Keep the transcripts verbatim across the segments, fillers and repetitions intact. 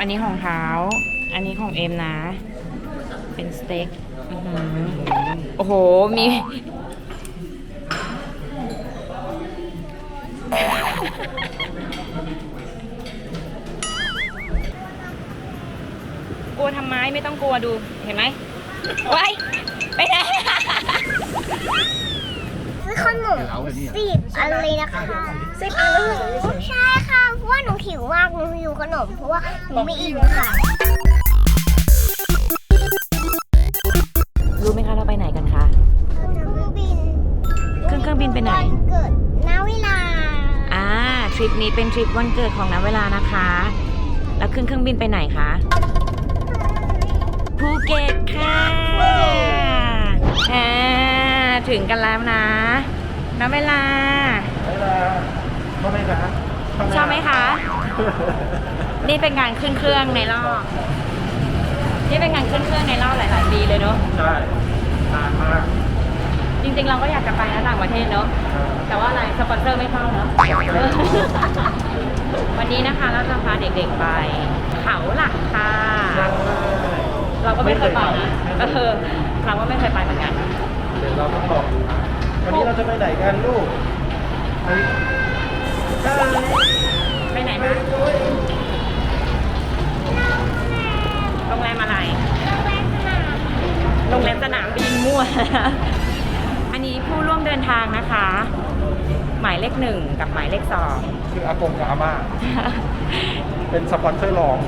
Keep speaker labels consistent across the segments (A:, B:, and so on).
A: อันนี้ของเท้าอันนี้ของเอ็มนะเป็นสเต็กโอ้โหมีกลัวทำไมไม่ต้องกลัวดูเห็นไหมว้ายไปไหน
B: ซื้อขนมสิบอันเลยนะคะสิบอันเลยใช่ค่ะเพราะว่าหนูหิวมากหนูหิวขนมเพราะว่าหนูไม่อิ่มค่ะ
A: รู้ไหมคะเราไปไหนกันคะ
B: เครื่องบิน
A: ขึ้นเครื่องบินไปไหน
B: เกิดณเวลา
A: อ่าทริปนี้เป็นทริปวันเกิดของณเวลานะคะแล้วขึ้นเครื่องบินไปไหนคะภูเก็ตค่ะอ่าถึงกันแล้วนะณเวลา
C: ชอบไหมคะ
A: ชอบไหมคะนี่เป็นการขึ้นเครื่องในรอบนี่เป็นการขึ้นเครื่องในรอบหลายๆปีเลยเนาะ
C: ใช่นานมาก
A: จริงๆเราก็อยากจะไปนะต่างประเทศเนาะแต่ว่าอะไรสปอนเซอร์ไม่เข้าเนาะวันนี้นะคะเราจะพาเด็กๆไปเขาหลักค่ะเราก็ไม่เคยไปนะก็เธอเราก็ไม่เคยไปเหมือนกัน
C: เดี๋ยวเราต้องลองดูวันนี้เราจะไปไหนกันลูก
A: ไปไหนมาโรงแรมอะไรโรงแรมสนามบินมั่วอันนี้ผู้ร่วมเดินทางนะคะหมายเลขหนึ่งกับหมายเลขสอง
C: คืออากงกับอาม่าเป็นสปอนเซอร์รอง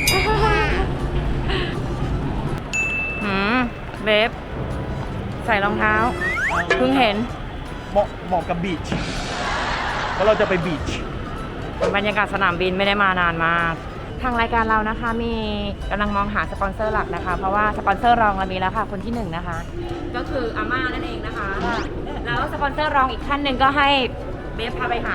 A: หืมเบฟใส่รองเท้าเพิ่งเห็น
C: เหมาะเหมาะกับบีชเพราะเราจะไปบีช
A: บรรยากาศสนามบินไม่ได้มานานมากทางรายการเรานะคะมีกำลังมองหาสปอนเซอร์หลักนะคะเพราะว่าสปอนเซอร์รองเรามีแล้วค่ะคนที่หนึ่งนะคะก็คืออาม่านั่นเองนะคะแล้วสปอนเซอร์รองอีกท่านหนึ่งก็ให้เบฟพาไปหา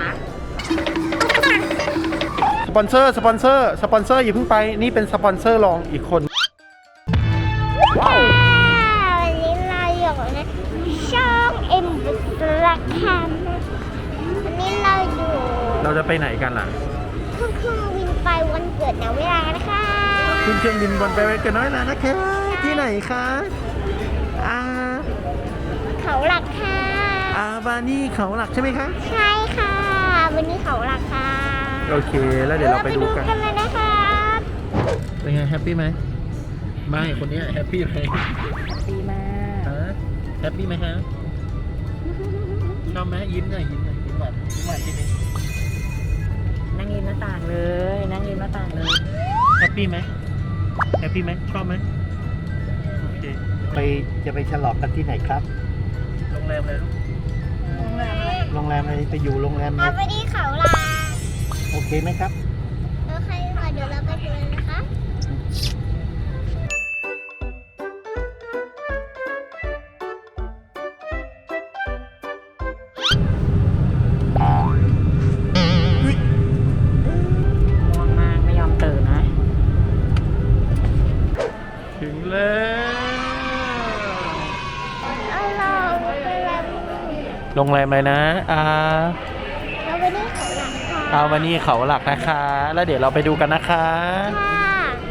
C: สปอนเซอร์สปอนเซอร์สปอนเซอร์อย่าเพิ่งไปนี่เป็นสปอนเซอร์รองอีกคน
B: ว้าววันนี้เราอยู่ในช่องเอ็มบุตรคัมวันนี้เราอยู่
C: เราจะไปไหนกันล่ะ
B: ขึ้นเครื่องบินไปวันเกิดณเวลานะคะ
C: ขึ้นเครื่องบินวันไปวันเกิดณเวลานะคะที่ไหนคะอ่า
B: เขาหลักค่ะ
C: อ่าบานี่เขาหลักใช่ไหมคะ
B: ใช่ค่ะวันนี้เขาหลักค่ะ
C: โอเคแล้วเดี๋ยวเราไปดูกัน
B: กันเลยนะคะ
C: เป็นไงแฮปปี้ไหมไม่คนนี้แฮปปี้ไหม
A: ดีมาก
C: แฮปปี้ไหมฮะชอบไหมยิ้มหน่อยยิ้มหน่อยยิ้มหวานยิ้มหวานที่นี่
A: นั่งริมหน้าต่างเลยนั่งริมหน้าต่างเลย
C: แฮปปี้ไหมแฮปปี้ไหมชอบไหมโอเคไปจะไปฉลองกันที่ไหนครับโรงแรมเลยลูกโรงแรมอะไรโรงแรมอะไรไปอยู่โรงแรม
B: เอาไปที่เขาหลัก
C: โอเคไหมครับ
B: โอเคค่ะเดี๋ยวเราไปดูเลยนะคะ
C: ถึงแล้วโรงแรมอะไรนะอ่า
B: เอาไปนี่เขาหลักค่ะ
C: เอาวันนี้เขาหลักนะคะแล้วเดี๋ยวเราไปดูกันนะคะ
B: ค่ะ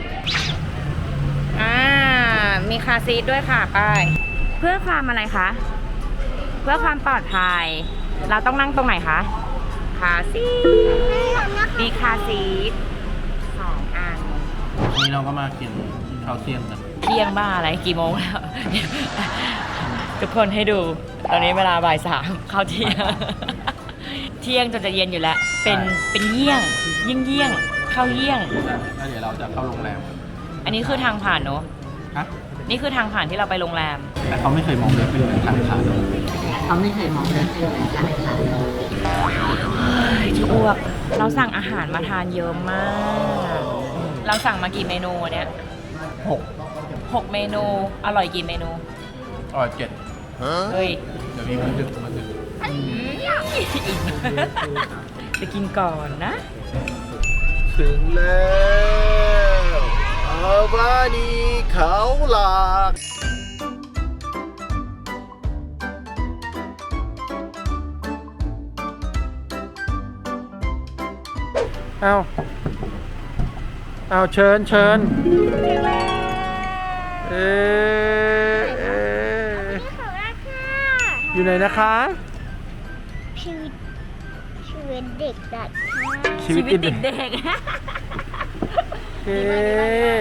A: อ่ามีคาร์ซีทด้วยค่ะไปเพื่อความอะไรคะเพื่อความปลอดภัยเราต้องนั่งตรงไหนคะคาร์ซีทมีคาร์ซีทสองอัน
C: นี่เราก็มากินข้าวเที่ยงกัน
A: เที่ยงบ้าอะไรกี่โมงแล้วทุกคนให้ดูตอนนี้เวลาบ่ายสามเข้าเที่ยงเที่ยงจนจะเย็นอยู่แล้วเป็นเป็นเยี่ยงเยี่ยงเยี่ยงเข้าเยี่ยง
C: แล้วเดี๋ยวเราจะเข้าโรงแรม
A: อันนี้คือทางผ่านเนอะ
C: ฮะ
A: นี่คือทางผ่านที่เราไปโรงแรม
C: แต่เขาไม่เคยมองเลยเป็นเหมือนทางผ่าน
A: เขาไม่เคยมองเลยเป็นเหมือนทางผ่านจะอ้วกเราสั่งอาหารมาทานเยอะมากเราสั่งมากี่เมนูเนี่ย
C: หก
A: หกเมนูอร่อยกี่เมนู
C: อร่อยเจ็ด
A: เฮ้ย
C: เดี๋ยวมีมันดึกมันดึก
A: จะกินก่อนนะ
C: ถึงแล้วอาบานีเขาหลักอ้าวเอาเชิญเชิญเออเออ
B: นี่ของราคา
C: อยู่ไหนนะคะ
B: ชีวิตชีวิตเด็กดัดค่ะ
A: ชีวิตติดเด็ก
C: เอ๊ะ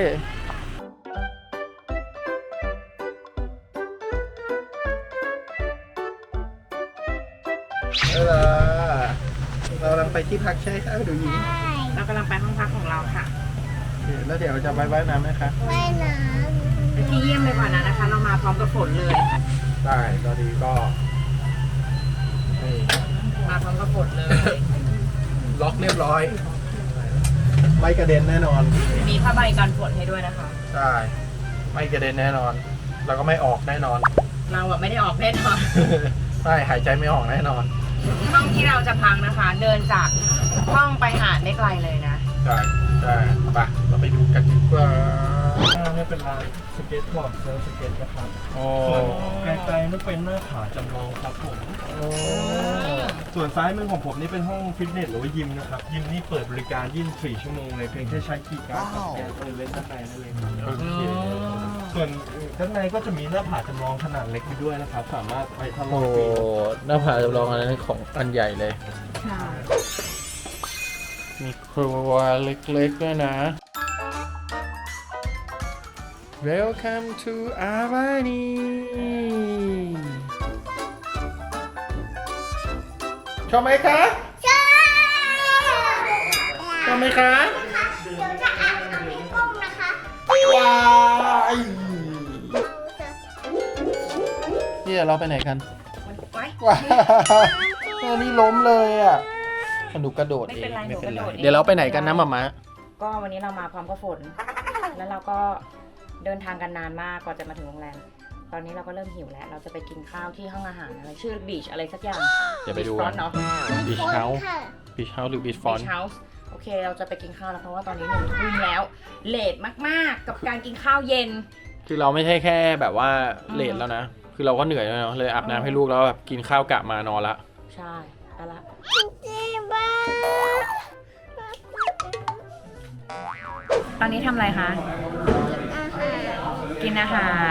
C: เออเรากำลังไปที่พักใช่ไหมคะดูยิง
B: ใช่
A: เรากำลังไปห้องพักของเราค่ะ
C: แล้วเดี๋ยวจะไปว่ายน้ำไหมคะ
B: ว่ายน้
A: ไปที่เยี่ยมเลยก่อนนะนะคะ เรามาพร้อมกับฝนเลย
C: ได้ตอนนี้ก็นี่
A: มาพร้อมกับฝนเลย
C: ล็อกเรียบร้อย ไม่กระเด็นแน่นอน
A: มีผ้าใบกันฝนให้ด้วยนะคะ
C: ใช่ ไม่กระเด็นแน่นอน แล้วก็ไม่ออกแน่นอน
A: เราอะไม่ได้ออกแน่นอน
C: ใช่หายใจไม่ออกแน่นอน
A: ห้องที่เราจะพักนะคะ เดินจากห้องไปหาดไม่ไกลเลยนะ
C: ใช่ใช่ไปเราไปดูกันดีกว่า
D: นี่เป็นลานสเก็ตบอร์ดเซิร์ฟสเก็ตนะครับ
C: โอ้
D: ส่วนไกลๆนั่นเป็นหน้าผาจำลองครับผม ส่วนซ้ายมือของผมนี่เป็นห้องฟิตเนสหรือว่ายิมนะครับ ยิมนี่เปิดบริการยี่สิบสี่ชั่วโมงเลยเพียงแค่ใช้คีย์การ์ดกับสแกนเปิดเล่นด้านในนั่นเองครับ
C: โอเค
D: ส่วนด้านในก็จะมีหน้าผาจำลองขนาดเล็กอยู่ด้วยนะครับ สามารถไปทดล
C: โอ้
D: องปีน
C: หน้าผาจำลองอันนั้นของอันใหญ่เลย
A: ใช่
C: มีครัวเล็กๆด้วยนะ Welcome to Avani ชอบไหมคะ
B: ำใช่
C: ชอบไหมคะ
B: เดี๋ยวจะอาบน้ำให้กุ้งนะคะ
C: ว้ายเนี่ยเราไปไหนกัน
A: มันไว้
C: ว้าวนี่ล้มเลยอ่ะหนูกระโดดเอง
A: ไม่เป็นไรหนูกระโดดเอง
C: เดี๋ยวเราไปไหนกันนะหมาม้า
A: ก็วันนี้เรามาพร้อมกับฝน แล้วเราก็เดินทางกันนานมากกว่าจะมาถึงโรงแรม ตอนนี้เราก็เริ่มหิวแล้ว เราจะไปกินข้าวที่ห้องอาหารอะไรชื่อบีชอะไรสักอย่าง
C: เดี๋ยวไปดู
A: ฟร
C: กั
A: อน นเนาะ
C: บีชเฮาส์
B: ค่ะ
C: บีชเฮาส์หรือบีชฟอน
A: บีชเฮาส์โอเค เราจะไปกินข้าวแล้วเพราะว่าตอนนี้หนึ่งทุ่มแล้ว เลทมากๆ กับการกินข้าวเย็น
C: คือเราไม่ใช่แค่แบบว่า
A: อืม
C: เลทแล้วนะ คือเราก็เหนื่อยแล้วเนาะเลยอาบน้ำให้ลูกแล้วแบบกินข้าวกะมานอนละ
A: ใช่ไปละ
B: เจ๊บ้า
A: ตอนนี้ทำอะไรคะ
B: อาหาร
A: กินอาหาร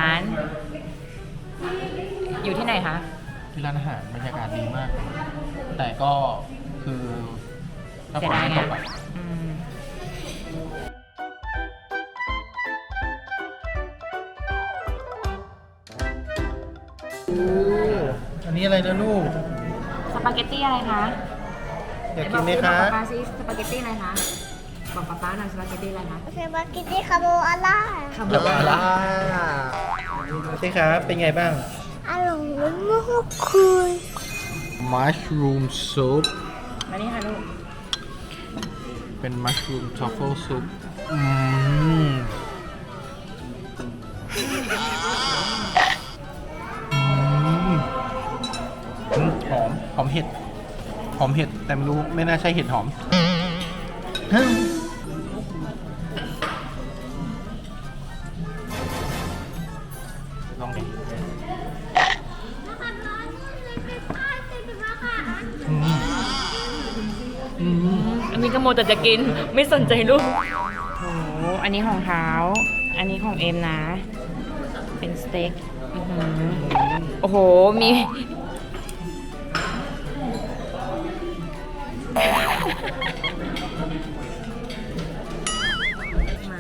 A: อยู่ที่ไหนคะ
C: ที่ร้านอาหารบรรยากาศดีมาก แต่ก็คือถ้าฝนไม่ตกอะ
A: อืม
C: อันนี้อะไรนะลูก
A: สปาเกตตี้อะไรคะ
C: อยากกินไหมคะ
A: บอกป๊าป๊าซิสปาเกตตี้อะไรคะ บอกป๊าป๊าหน่อยสปาเกตตี้อะไรคะ
B: สปาเกตตี้คาโบอาร่า
A: คาโบ
C: แล้วก็
A: นา
C: ล่า
A: ร่า
C: ใช่ครับ เป็นไงบ้าง
B: อร่อยมากคือ
C: mushroom soup
A: มานี่ค่ะลูก
C: เป็น mushroom truffle soup อืมอืมอืมหอม หอมเห็ด หอมเห็ด แต่ไม่รู้ ไม่น่าใช่เห็ดหอม ลองดิอืมอืม
A: อันนี้ก็โมแต่จะกิน ไม่สนใจลูก โอ้โห อันนี้ของเท้า อันนี้ของเอ็มนะ เป็นสเต็กอื้อหือโอ้โห มี มา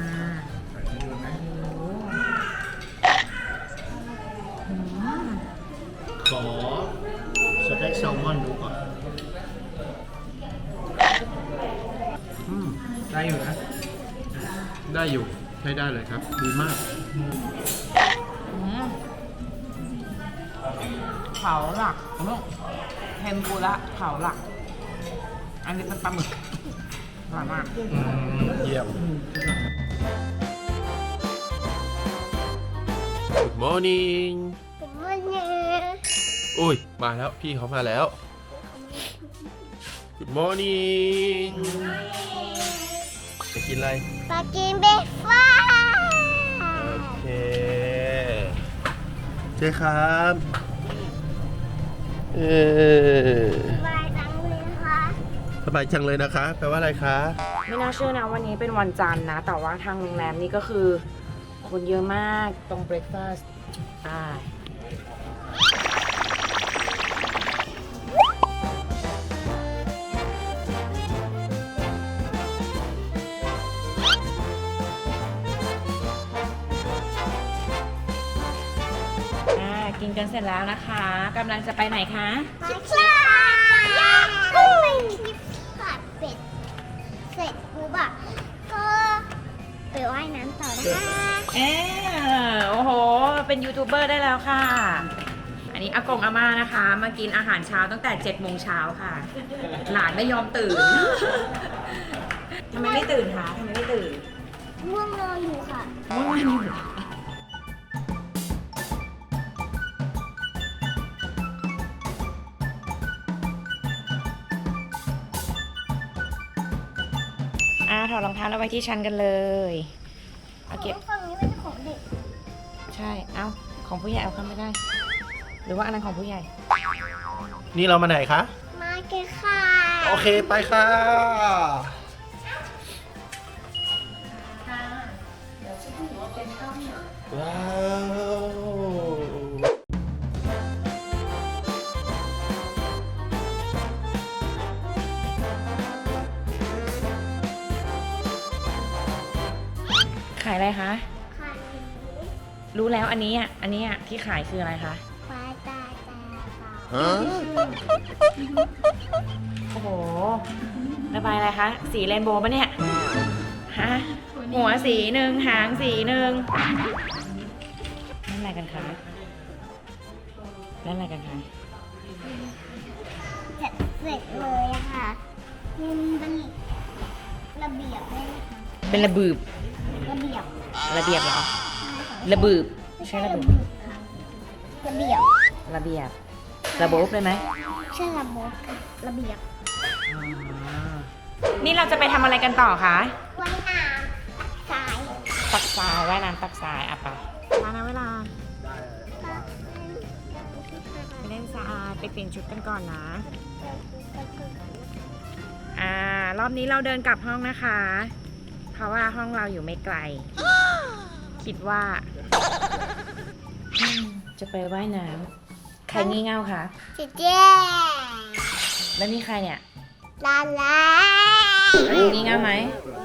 C: ขอสเต็กแซลมอนดูก่อน อืม ได้อยู่นะ ได้อยู่ ใช้ได้เลยครับ ดีมาก
A: อืมเขาหลักลูกเทมปุระเขาหลัก อันนี้เป็นปลาหมึกอร่อยมาก
C: อืม เยี่ยม Good morning
B: เป็นวันนี้
C: อุ้ย มาแล้ว พี่เขามาแล้ว Good morning จะกินอะไร
B: ปากินเบฟ้า
C: โอเค เจ๊ครับ เออ
B: บายจังเลยค่ะ
C: สบายจังเลยนะคะแปลว่าอะไรคะ
A: ไม่น่าเชื่อนะวันนี้เป็นวันจันทร์นะ แต่ว่าทางโรงแรมนี่ก็คือคนเยอะมากตรงเบรคฟาสต์อ่าอ่ากินกันเสร็จแล้วนะคะกำลังจะไปไหนคะ
B: มาค่ะย่างกุ้งที่ผัดเป็ดเสร็จปุ๊บอะก็ไปว่ายน้ำต่อนะคะ
A: เออโอ้โห เป็นยูทูบเบอร์ได้แล้วค่ะ อันนี้อากงอาม่านะคะ มากินอาหารเช้าตั้งแต่เจ็ดโมงเช้าค่ะ หลานไม่ยอมตื่น ทำไมไม่ตื่นคะทำไมไม่ตื่น
B: ง่วงนอนอยู่ค่ะ
A: ง่วงอยู่อ่าถอดรองเท้าแล้วไว้ที่ชั้นกันเลยเอาเก็บ
B: ฝั่งนี้เป็นของเด็ก
A: ใช่ เอาของผู้ใหญ่เอาเข้าไม่ได้ หรือว่าอันนั้นของผู้ใหญ่
C: นี่เรามาไหนคะ
B: มาเกะค่ะ
C: โอเคไปค่ะ ว้าว
A: ขายอะไรคะ
B: ค่ะ
A: รู้แล้วอันนี้อ่ะ อันนี้อ่ะที่ขายคืออะไรคะ
B: ปลาตาตาตา
C: ฮะ
A: โอ้โห ระบายอะไรคะ สีเรนโบว์ปะเนี่ย ฮะ หัวสีหนึ่งหางสีหนึ่งนั่นอะไรกันคะนั่นอะไรกันคะ
B: เสร็จเสร็จเลยอะค่ะมันเป็นระเบียบเลยนะคะ
A: เป็นระบืบ
B: ระเบียบ
A: ระเบียบเหรอ ระบืบใช่ระบืบ
B: ค่ะระเบียบ
A: ระเบียบ ระบบเลยไหม
B: ใช่ระบบค่ะระเบียบ
A: นี่เราจะไปทำอะไรกันต่อคะ
B: ว่ายน้ำสาย
A: ตักทรายว่ายน้ำตักทรายอ่ะไปมานะเวลา ไปเล่นทรายไปเปลี่ยนชุดกันก่อนนะ อ่ารอบนี้เราเดินกลับห้องนะคะ เพราะว่าห้องเราอยู่ไม่ไกล คิดว่าอืมจะไปว่ายน้ำใครงี่เง่าคะ
B: เจ๊เจ๊
A: แล้วนี่ใครเนี่ย
B: ลาลา
A: แล้วนี่งี่เง่าไหม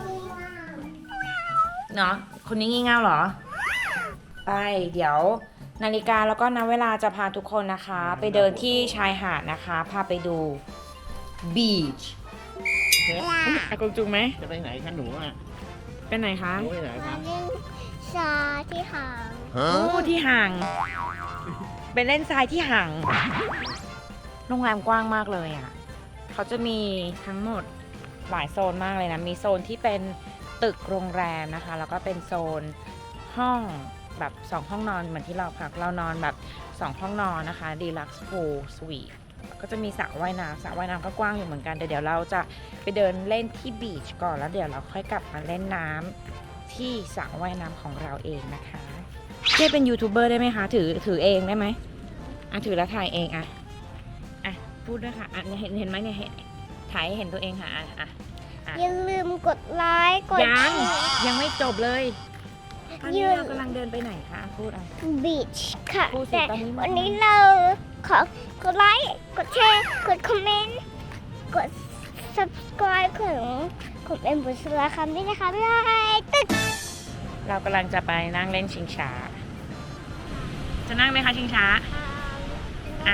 A: เนาะคนนี้งี่เง่าเหรอ ไปเดี๋ยวนาฬิกาแล้วก็นับเวลาจะพาทุกคนนะคะ ไปเดินที่ชายหาดนะคะ พาไปดู beach อากงจุงไหม
C: จะไปไหนคะหนูอ่ะ
A: เป็นไหนคะ
C: หนูไปไหน
B: มา
C: คะ
B: เล่นชาที่หาง
C: ฮะ
A: โอ้ที่ห่าง เป็นเล่นทรายที่ห่าง โรงแรมกว้างมากเลยอ่ะ เขาจะมีทั้งหมดหลายโซนมากเลยนะ มีโซนที่เป็นตึกโรงแรมนะคะ แล้วก็เป็นโซนห้องแบบสองห้องนอนเหมือนที่เราพัก เรานอนแบบสองห้องนอนนะคะ Deluxe Pool Suite ก็จะมีสระว่ายน้ำสระว่ายน้ำก็กว้างอยู่เหมือนกันแต่เดี๋ยวเราจะไปเดินเล่นที่บีชก่อนแล้วเดี๋ยวเราค่อยกลับมาเล่นน้ำที่สระว่ายน้ำของเราเองนะคะเจ๊เป็นยูทูบเบอร์ได้ไหมคะ ถือถือเองได้ไหมอ่ะถือแล้วถ่ายเองอ่ะอ่ะพูดด้วยค่ะอ่ะเนี่ยเห็นเห็นไหมเนี่ยเห็นถ่ายให้เห็นตัวเองค่ะอ่ะอ่ะอ่ะ
B: อย่าลืมกดไลค์กด
A: ยัง
B: แชร์
A: ยังไม่จบเลยตอน
B: ยื
A: นี้
B: น
A: เรากำลังเดินไปไหนคะพูดอ่ะ
B: บีชค่ะ
A: พูดสิ
B: แต่
A: ตอนนี้
B: วันนี้เราขอกดไลค์กดแชร์กดคอมเมนต์กด subscribe ของของเอ็มบุษราคำด้วยนะคะบ๊ายบายตึ๊ด
A: เรากำลังจะไปนั่งเล่นชิงช้า จะนั่งไหมคะชิงช้า อ่ะ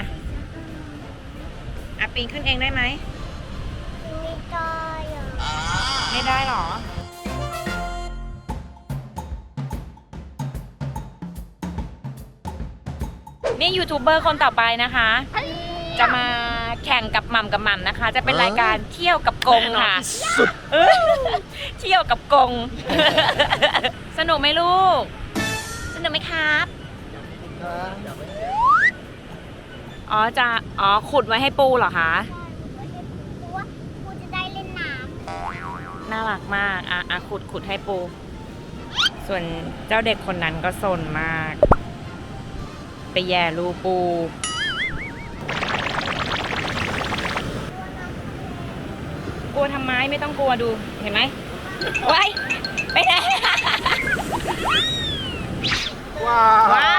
A: อ่ะปีนขึ้นเองได้ไหม
B: ไม่ได้อะ
A: ไม่ได้หรอ นี่ยูทูบเบอร์คนต่อไปนะคะ จะมาแข่งกับหม่ำกับหม่ำนะคะ จะเป็นรายการเที่ยวกับกงค่ะเออเที่ยวกับกง สนุกไหมลูก สนุกไหมครับ อ๋อจะ อ๋อขุดไว้ให้ปูเหรอคะ
B: เพราะว่ากูจะได้เล่นน้ำ
A: น่ารักมาก อ่ะอ่ะขุดขุดให้ปู ส่วนเจ้าเด็กคนนั้นก็ซนมาก ไปแย่รูปูวทำไมไม่ต้องกลัวดูเห็นไหมว้ายไปไหน
C: ว้าว
A: ว้าย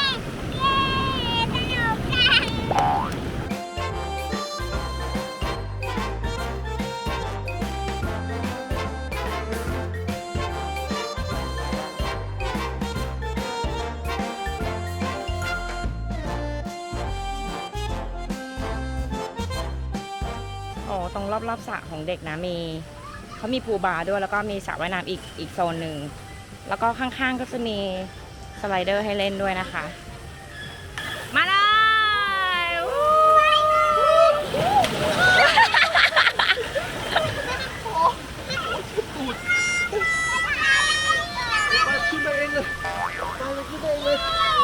A: โอ้ตรงรอบๆสระของเด็กนะมีเขามีพูลบาร์ด้วยแล้วก็มีสระว่ายน้ำอีกอีกโซนหนึ่งแล้วก็ข้างๆก็จะมีสไลเดอร์ให้เล่นด้วยนะคะ มาเลยวู้
C: ขึ้นไปเองเลยขึ้นไปเองเลย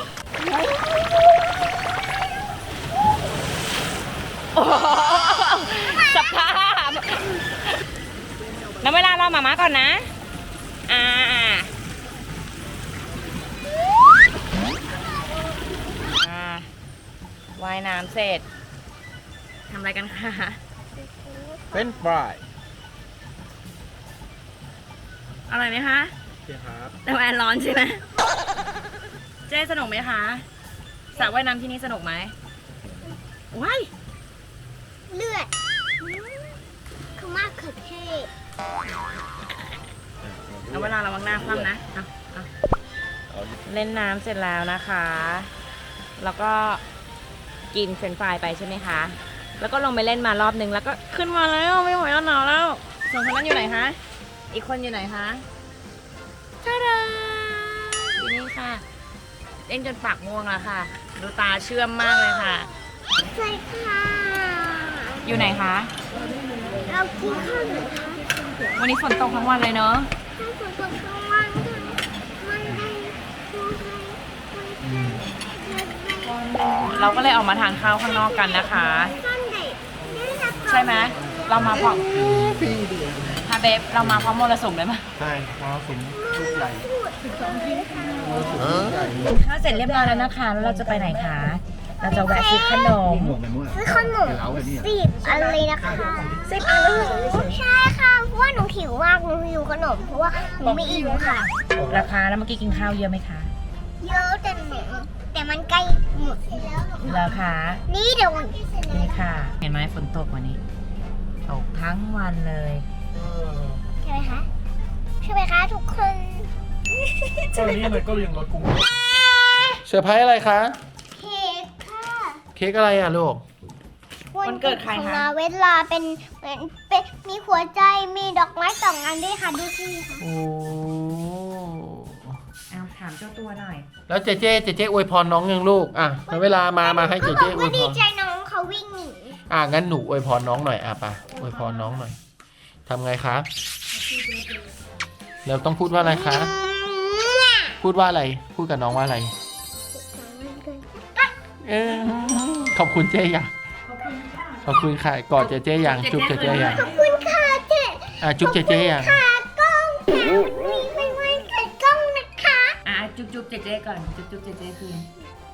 A: โอ้โหสภาพแล้วเวลาเราหมาม้าก่อนนะอ่าอ่าว่ายน้ำเสร็จทำอะไรกันคะ
C: เป็นฟราย
A: อร่อยไหมคะ
C: เชียครับ
A: แต่แอนร้อนใช่ไหมเจ๊สนุกไหมคะสระว่ายน้ำที่นี่สนุกไหมว้าย
B: เลือดคือมากเขือเทศ
A: เอาเวลาระวังหน้าคว่ำนะเอาเอาเล่นน้ำเสร็จแล้วนะคะ แล้วก็กินเฟรนช์ฟรายไปใช่ไหมคะ แล้วก็ลงไปเล่นมารอบนึงแล้วก็ขึ้นมาแล้วไม่ไหวแล้วหนาวแล้วสองคนนั้นอยู่ไหนคะ อีกคนอยู่ไหนคะจ้าดาอยู่นี่ค่ะ เล่นจนปากม่วงแล้วค่ะ ดูตาเชื่อมมากเลยค่ะ
B: ใช่ค่ะ
A: อยู่ไหนคะ
B: เรากินข้าวหรือคะ
A: วันนี้ฝนตกทั้งวันเลยเนาะ
B: ถ้าฝนตกทั้งวันค่ะมันได้ดูให้
A: เราก็เลยออกมาทานข้าวข้างนอกกันนะคะ
B: ซ่อนเด็กนี่นะคะ
A: ใช่ไหมเรามาพร้อมฮาเบฟเรามาพร้อมมรสุมเลยไหม
C: ใช่มอสมลูกใหญ่
B: พูดถึงเลยค่ะ
C: มอสมลูกใหญ่
A: ข้าวเสร็จเรียบร้อยแล้วนะคะ แล้วเราจะไปไหนคะ เราจะแวะซื้อขนม
B: ซื้อขนมสิบอันเลยนะคะสิบอันเลยใช่ค่ะเพราะว่าหนูหิวมากหนูหิวขนมเพราะว่าหนูไม่อิ่มค่ะ
A: ราคาแล้วเมื่อกี้กินข้าวเยอะไหมคะ
B: เยอะแต่หนูแต่มันใกล้หมดแล้ว
A: ราคา
B: นี่เดี๋ยว
A: นี่ค่ะ เห็นไหมฝนตกวันนี้ ตกทั้งวันเลย
B: ใช่ไหมคะใช่ไหมคะทุกคน
D: ตอนนี้มันก็ยังรถกรุง
C: เซอร์ไพรส์อะไรคะ
B: เค้กค่ะ
C: เค้กอะไรอ่ะลูก
A: วันเกิดใครคะ
B: มาเวลาเป็นเป็นเป็นมีหัวใจมีดอกไม้สองอันด้วยค่ะดูสิค่ะ
C: โอ้
A: เอาถามเจ้าตัวหน่อย
C: แล้วเจเจเจเจอวยพรน้องยังลูก อ่ะเวลามา มาให้เจ
B: เขาบ
C: เจ
B: อก
C: อว
B: ว่าย
C: พ
B: ดี
C: ร
B: ใจน้องเขาวิ่งหนี
C: อ่ะงั้นหนูอวยพรน้องหน่อย อ่ะไปอวยพรน้องหน่อยทำไงคะเราต้องพูดว่าอะไรคะ พูดว่าอะไร พูดกับน้องว่าอะไร เออขอบคุณเจยังขอบคุณค่ะกอดเจเจยังจุ๊บเจเจยัง
B: ขอบคุณค่ะเจ๊
C: อ่ะจุ๊บเจเจยัง
B: ค่ะกล้องค่ะมีไม่ไว้เกิดกล้องนะคะ
A: อ่ะจุ๊บจุ๊บเจเจก่อน จุ๊บจุ๊บเจเจคืน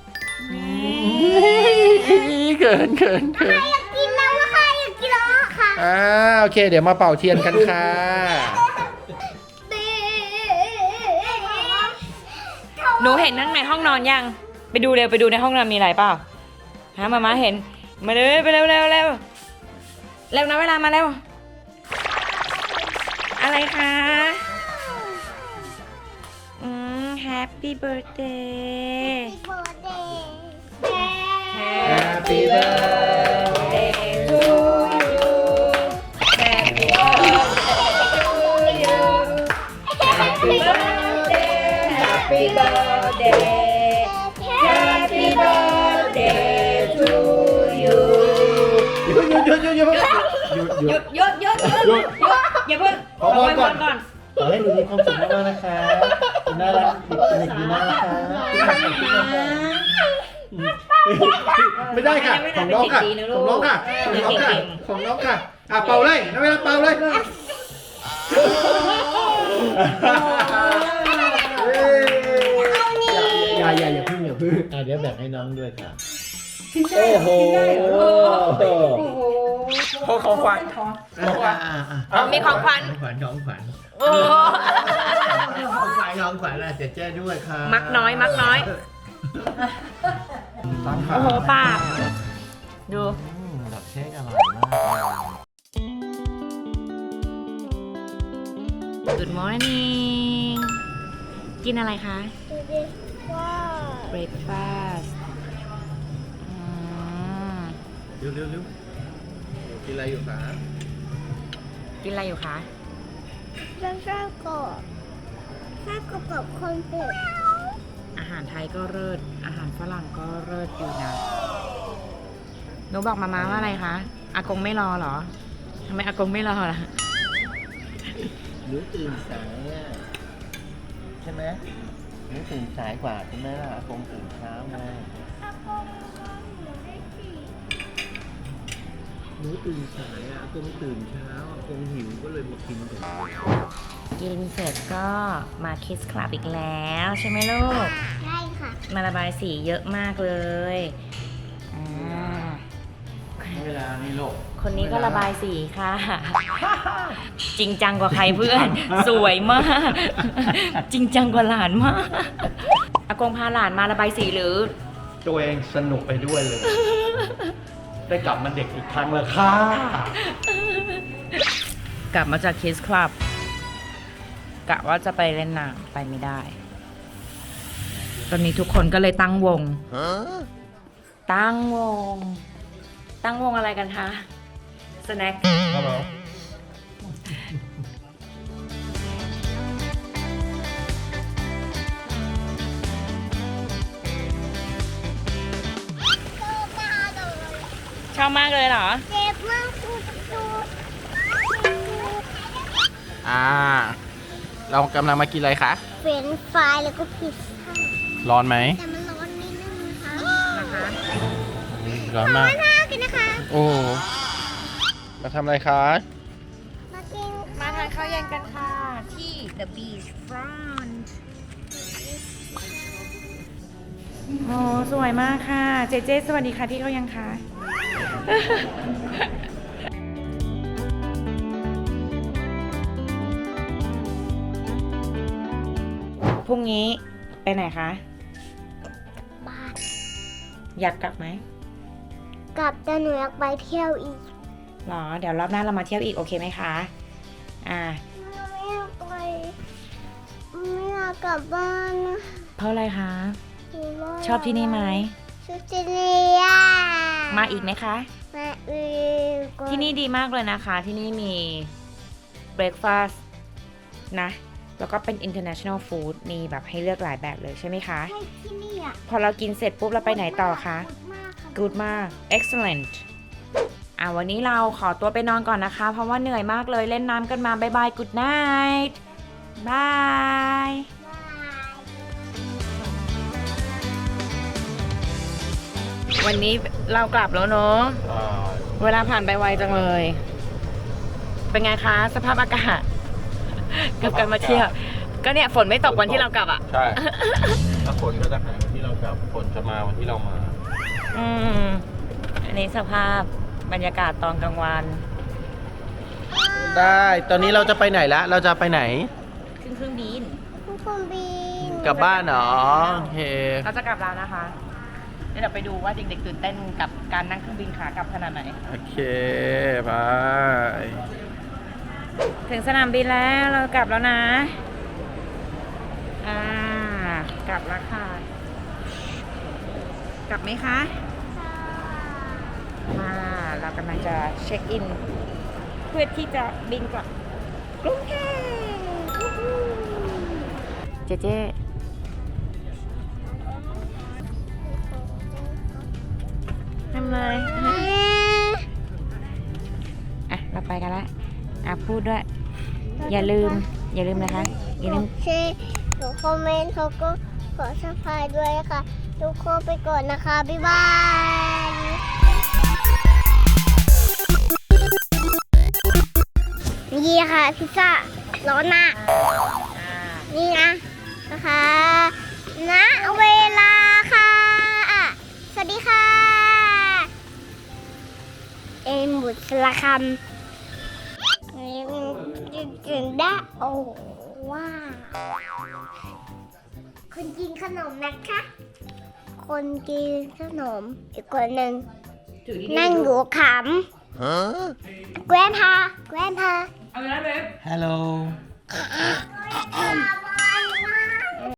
C: เขินเขินเขิน
B: อยากกินแล้วอะค่ะอยากกินแล้วอะค่ะ
C: อ่าโอเค เดี๋ยวมาเป่าเทียนกันค่ะ
A: หนูเห็นนั่งในห้องนอนยัง ไปดูเร็วไปดูในห้องนอนมีอะไรเปล่าฮะมามาเห็น มาเลยไปเร็วเร็วเร็วเร็วนะเวลามาเร็ว อะไรคะ อืม Happy birthday
C: Happy birthday
A: to you Happy birthday to you Happy birthday Happy birthday Happy birthday to you
C: หยุดหยุดหยุดหยุดหยุดหยุดหยุด
A: หยุดหยุดหยุดหยุดหยุดอย่าเพิ่ง
C: ขอพรก่อน
A: ก่อน
C: ขอให้หนูมีความสุขมากๆนะคะคุณน่ารักเด็กดีน่ารักค่ะไม่ได้ค่ะ ของน้องค่ะ ของน้องค่ะ ของน้องค่ะ ของน้องค่ะ อ่ะเป่าเลยนะเวลาเป่าเลยอย่าอย่าอย่าพึ่งอย่าพึ่งอ่ะเดี๋ยวแบ่งให้น้องด้วยค่ะ โอ้โห
A: โอ้โห
D: ของของขวัญ
C: บอกว่า
A: อ๋อมีของขวัญ
C: ของขวัญของขวัญ
A: โอ้
C: ของขวัญของขวัญอะเจ๊เจ้ด้วยค่ะ
A: มักน้อยมักน้อย โอ้โหป้าดู
C: อืมดอกเค้กอร่อยมาก
A: Good morning กินอะไรคะ
B: ดูดิว่า
A: breakfast อืม
C: เร็วเร็วเร็วกินอะไรอยู่คะ
A: กินอะไรอยู่คะ
B: จะไส้กรอกไส้กรอกกับคอนเฟก
A: อาหารไทยก็เลิศอาหารฝรั่งก็เลิศอยู่นะหนูบอกมาม่าว่าอะไรคะอากงไม่รอเหรอทำไมอากงไม่รอล่ะ
C: หนูตื่นสายอ่ะใช่ไหมหนูตื่นสายกว่าใช่ไหมล่ะอากงตื่นเช้าไง
B: อากงหนูได้สี่
C: หนูตื่นสายอ่ะอากงตื่นเช้าอากงหิวก็เลยมากินก่อน
A: กินเสร็จก็มาคิสคลับอีกแล้วใช่ไหมลูก
B: ได้ค่ะ
A: มาระบายสีเยอะมากเลยอ่า
C: เวลานี่โลก
A: คนนี้ก็ระบายสีค่ะ จริงจังกว่าใครเพื่อน สวยมาก จริงจังกว่าหลานมากอากงพาหลานมาระบายสีหรือ
D: ตัวเองสนุกไปด้วยเลย ได้กลับมาเด็กอีกครั้งแล้วค่ะ
A: กลับมาจากคิสคลับกะว่าจะไปเล่นน้ำไปไม่ได้ ตอนนี้ทุกคนก็เลยตั้งวง ตั้งวง ตั้งวงอะไรกันคะ สแน็ค
D: ครับผม
A: ชอบมากเลยเหรอ
B: เจ็บมากกูดู
D: อ่า เรากำลังมากินอะไรคะ
B: เฟรนช์ฟรายแล้วก็พิซซ่า
D: ร้อนไหม
B: แต่มันร้อนนิดนึงนะคะ
A: นะคะ
D: ร้อนมาก
B: น่ากินนะคะ
D: โอ้ มาทำอะไรคะ
B: มากิน
A: มาทานข้าวเย็นกันค่ะ ที่ The Beach Front โอ้สวยมากค่ะ เจเจสวัสดีค่ะที่เขายังคะพรุ่งนี้ไปไหนคะ
B: บ้าน
A: อยากกลับไหม
B: กลับแต่หนูอยากไปเที่ยวอีก
A: หรอ เดี๋ยวรอบหน้าเรามาเที่ยวอีกโอเคไหมคะ อ่า
B: ไม่อยากไปไม่อยากกลับบ้านนะ
A: เพราะอะไรคะ
B: อยู่บ้าน
A: ชอบที่นี่ไหม
B: ชอบที่นี่อะ
A: มาอีกไหมคะ
B: มาอีก
A: ที่นี่ดีมากเลยนะคะ ที่นี่มี breakfast นะ แล้วก็เป็น international food มีแบบให้เลือกหลายแบบเลยใช่ไหมคะ
B: ใช่ที่นี่อ่ะ
A: พอเรากินเสร็จปุ๊บเราไปไหนต่อคะ
B: ขอบณมากค่ะ
A: good มาก excellent อ่ะวันนี้เราขอตัวไปนอนก่อนนะคะ เพราะว่าเหนื่อยมากเลยเล่นน้ำกันมาบายบาย good night บาย วันนี้เรากลับแล้วเนอะ
D: อ่า
A: เวลาผ่านไปไวจังเลย เป็นไงคะ สภาพอากาศ กับการมาเที่ยว ก็เนี่ยฝนไม่ตกวันที่เรากลับอ่ะ
D: ใช่ ถ้าฝนก็จะหายวันที่เรากลับ ฝนจะมาวันที่เรามา
A: อืม อันนี้สภาพบรรยากาศตอนกลางวัน
D: ได้ ตอนนี้เราจะไปไหนละ เราจะไปไหน
A: ขึ้นเครื่องบิน
B: ทุกคนบิน
D: กลับบ้านเหรอ โอเค
A: เราจะกลับแล้วนะคะเดี๋ยวเราไปดูว่าเด็กๆตื่นเต้นกับการนั่งเครื่องบินขากลับขนาดไหน
D: โอเค บาย
A: ถึงสนามบินแล้วเรากลับแล้วนะ อ่ากลับแล้วค่ะ กลับไหมคะมาเรากำลังจะเช็คอิน เพื่อที่จะบินกลับกรุงเทพเจเจทำเลยอ่ะ เราไปกันละอ่ะ พูดด้วย อย่าลืม อย่าลืมนะคะ อย่าลืม
B: แชร์หนูคอมเมนต์เขาก็ขอสับสไครบ์ด้วยค่ะ ทุกคนไปก่อนนะคะ บ๊ายบาย นี่ค่ะพิซซ่าร้อนมาก
A: อ่า
B: นี่นะนะคะณเวลาค่ะอ่ะ สวัสดีค่ะ เอ็มบุษสละคำนี่กินได้โอ้ว้าวคนกินขนมนะคะ คนกินขนมอีกคนหนึ่งนั่งอยู่ขำแกรนพาแกรนพา
A: เอาไปแล้วเบฟ
C: Hello
B: ขำ